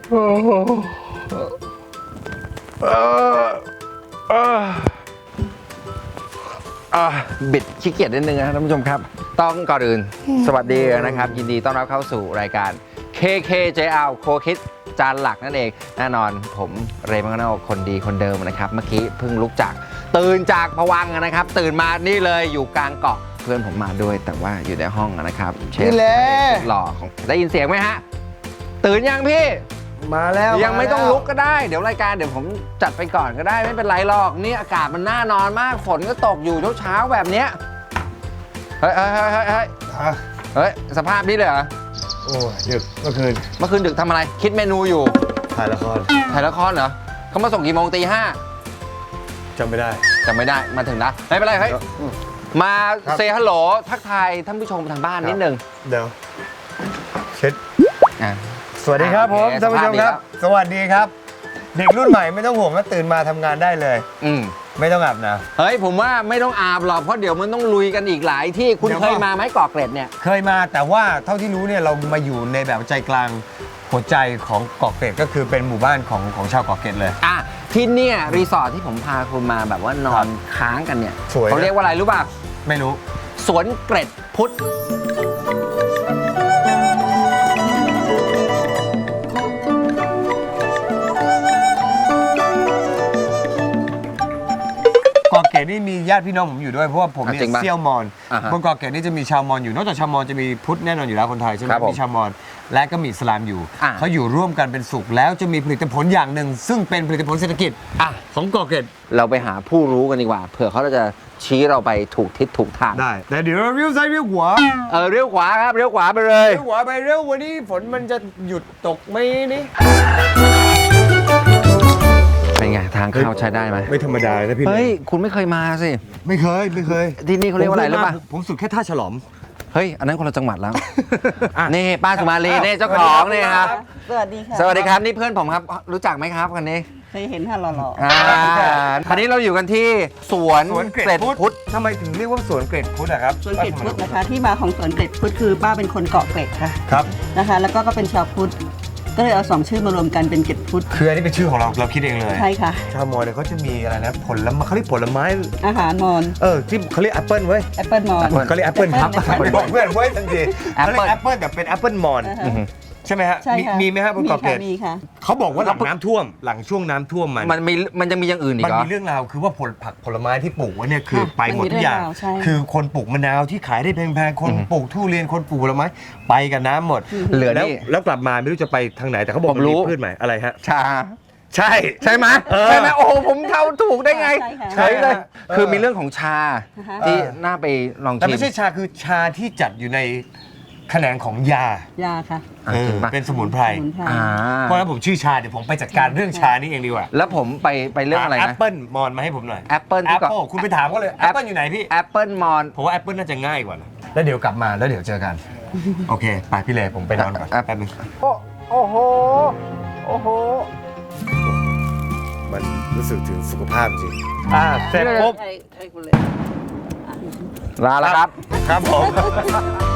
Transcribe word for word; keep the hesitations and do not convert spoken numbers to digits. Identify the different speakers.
Speaker 1: บิดขี้เกียจนิดนึงนะท่านผู้ชมครับต้องก่อนอื่นสวัสดีนะครับยินดีต้อนรับเข้าสู่รายการ เค เค เจ แอล โคคิดจานหลักนั่นเองแน่นอนผมเรย์มังกรคนดีคนเดิมนะครับเมื่อกี้เพิ่งลุกจากตื่นจากภวังค์นะครับตื่นมานี่เลยอยู่กลางเกาะเพื่อนผมมาด้วยแต่ว่าอยู่ในห้องนะครับเชฟหล่อของได้ยินเสียงไหมฮะตื่นยังพี่
Speaker 2: มาแล้ว
Speaker 1: ยังไม่ต้องลุกก็ได้เดี๋ยวรายการเดี๋ยวผมจัดไปก่อนก็ได้ไม่เป็นไรหรอกนี่อากาศมันน่านอนมากฝนก็ตกอยู่เช้าๆแบบเนี้ยเฮ้ยเฮ้ยเฮ้ยเฮ้ยเฮ้ยสภาพนี้เลยเหรอ
Speaker 2: โอ้ดึกเมื่อคืน
Speaker 1: เมื่อคืนดึกทำอะไรคิดเมนูอยู่
Speaker 2: ถ่ายละคร
Speaker 1: ถ่ายละครเหรอเขามาส่งกี่โมงตีห้า
Speaker 2: จำไม่ได้
Speaker 1: จำไม่ได้มาถึงนะไม่เป็นไรเฮ้ยมาเซฮัลโหลทักทายท่านผู้ชมทางบ้านนิดนึง
Speaker 2: เดี๋ยวเช็ดสวัสดีครับผมท่านผู้ชมครับสวัสดีครับเด็กรุ่นใหม่ไม่ต้องห่วงว่าตื่นมาทำงานได้เลย
Speaker 1: อืม
Speaker 2: ไม่ต้องอาบน้ำ
Speaker 1: เฮ้ยผมว่าไม่ต้องอาบหรอกเพราะเดี๋ยวมันต้องลุยกันอีกหลายที่คุณเคยมาไหมเกาะเกร็ดเนี่ย
Speaker 2: เคยมาแต่ว่าเท่าที่รู้เนี่ยเรามาอยู่ในแบบใจกลางหัวใจของเกาะเกร็ดก็คือเป็นหมู่บ้านของของชาวเกาะเกร็ดเลย
Speaker 1: อ่ะที่เนี่ยรีสอร์ทที่ผมพาคุณมาแบบว่านอนค้างกันเนี่ยเขาเรียกว่าอะไรรู้ป่ะ
Speaker 2: ไม่รู้
Speaker 1: สวนเกร็ดพุทธ
Speaker 2: เกาะเกร็ดนี่มีญาติพี่น้องผมอยู่ด้วยเพราะว่าผมเนี่ยเซี่ยวมอญบนเกาะเกร็ดนี่จะมีชาวมอญอยู่นอกจากชาวมอญจะมีพุทธแน่นอนอยู่แล้วคนไทยใช่ไหมมีชาวมอญและก็มีอิสลามอยู่เขาอยู่ร่วมกันเป็นสุขแล้วจะมีผลิตผลอย่างหนึ่งซึ่งเป็นผลิตผลเศรษฐกิจของเกาะเกร็ด
Speaker 1: เราไปหาผู้รู้กันดีกว่าเผื่อเขาจะชี้เราไปถูกทิศถูกทาง
Speaker 2: ได้แต่เดี๋ยวเราเลี้ยวซ้ายเลี้ยวขวา
Speaker 1: เออเลี้ยวขวาครับเลี้ยวขวาไปเลย
Speaker 2: เลี้ยวขวาไปเร็ววันนี้ฝนมันจะหยุดตกไหมนี่
Speaker 1: เป็นไงทางเข้าใช้ได้ไหม
Speaker 2: ไม่ธรรมดาเลยนะพี่
Speaker 1: เฮ้ยคุณไม่เคยมาสิ
Speaker 2: ไม่เคยไม่เคย
Speaker 1: ที่นี่เขาเรียกว่าอะไรรู้ป่ะ
Speaker 2: ผมสุดแค่ท่าฉลอม
Speaker 1: เฮ้ยอันนั้นคนละจังหวัดแล้วนี่ป้าสุมาลีนี่เจ้าของนี่ครับ
Speaker 3: สวัสดีค่ะ
Speaker 1: สวัสดีครับนี่เพื่อนผมครับรู้จักไหมครับคนนี้
Speaker 3: เคยเห็นค่ะหล่อ
Speaker 1: ๆอ่าคราวนี้เราอยู่กันที่สวนเกร็ดพุทธ
Speaker 2: ทำไมถึงเรียกว่าสวนเกร็ดพุทธอะครับ
Speaker 3: สวนเกร็ดพุทธนะคะที่มาของสวนเกร็ดพุทธคือป้าเป็นคนเกาะเกร็ดค่ะ
Speaker 2: ครับ
Speaker 3: นะคะแล้วก็ก็เป็นชาวพุทธก็เลยเอาสองชื่อมารวมกันเป็นเกร็ดพุทธ
Speaker 2: คืออันนี้เป็นชื่อของเราเราคิดเองเลย
Speaker 3: ใช่ค่ะ
Speaker 2: ชาวมอญเนี่ยเขาจะมีอะไรนะผลไม้เขาเรียกผลไม้
Speaker 3: อาหารมอญ
Speaker 2: เออที่เขาเรียกแอปเปิ้ลเว้ย
Speaker 3: แอปเปิ้ลมอญ
Speaker 2: เขาเรียกแอปเปิ้ลครับบอกเพื่อนเว้ยทันทีเขาเรียกแอปเปิ้ลแต่เป็นแอปเปิ้ลมอญใช่ไหมฮะมีไหมฮะบนเกาะเกร็ด
Speaker 3: มีค่ะ
Speaker 2: เขาบอกว่าหลังน้ำท่วมหลังช่วงน้ำท่วมมัน
Speaker 1: มันมีมันจะมีอย่างอื่นอีกเหรอ
Speaker 2: มันมีเรื่องราวคือว่าผลผักผลไม้ที่ปลูกไว้เนี่ยคือไปหมดทุกอย่างคือคนปลูกมะนาวที่ขายได้แพงๆคนปลูกทุเรียนคนปลูกผลไม้ไปกับน้ำหมด
Speaker 1: เหลือ
Speaker 2: แล้วแล้วกลับมาไม่รู้จะไปทางไหนแต่เขาบอกมีพืชใหม่อะไรฮะ
Speaker 1: ชา
Speaker 2: ใช่
Speaker 1: ใช่ไหมใช่ไหมโอ้ผมเข้าถูกได้ไงใช่เลยคือมีเรื่องของชาที่น่าไปลองชิม
Speaker 2: แต่ไม่ใช่ชาคือชาที่จัดอยู่ในแขนงของยา
Speaker 3: ยาค่ะ
Speaker 2: เป็นสมุนไพรเพราะฉะนั้นผมชื่อชาเดี๋ยวผมไปจัดการเรื่องชานี่เองดีกว่า
Speaker 1: แล้วผมไปไปเรื่องอะไรนะ
Speaker 2: แอปเปิลมอนมาให้ผมหน่อย
Speaker 1: แอปเปิล
Speaker 2: แอปเปิลคุณไปถามเขาเลยแอปเปิลอยู่ไหนพี่
Speaker 1: แอปเปิลมอน
Speaker 2: ผมว่าแอปเปิลน่าจะง่ายกว่าแล้วเดี๋ยวกลับมาแล้วเดี๋ยวเจอกันโอเคไปพี่เลผมไปนอนก่อนแป๊บนึง
Speaker 1: โอ้โหโอ้โห
Speaker 2: มันรู้สึกถึงสุขภาพจริงอ่าเสร็จปุ๊บ
Speaker 3: ให้คุณเลย
Speaker 1: ลาแล้วครับ
Speaker 2: ครับผม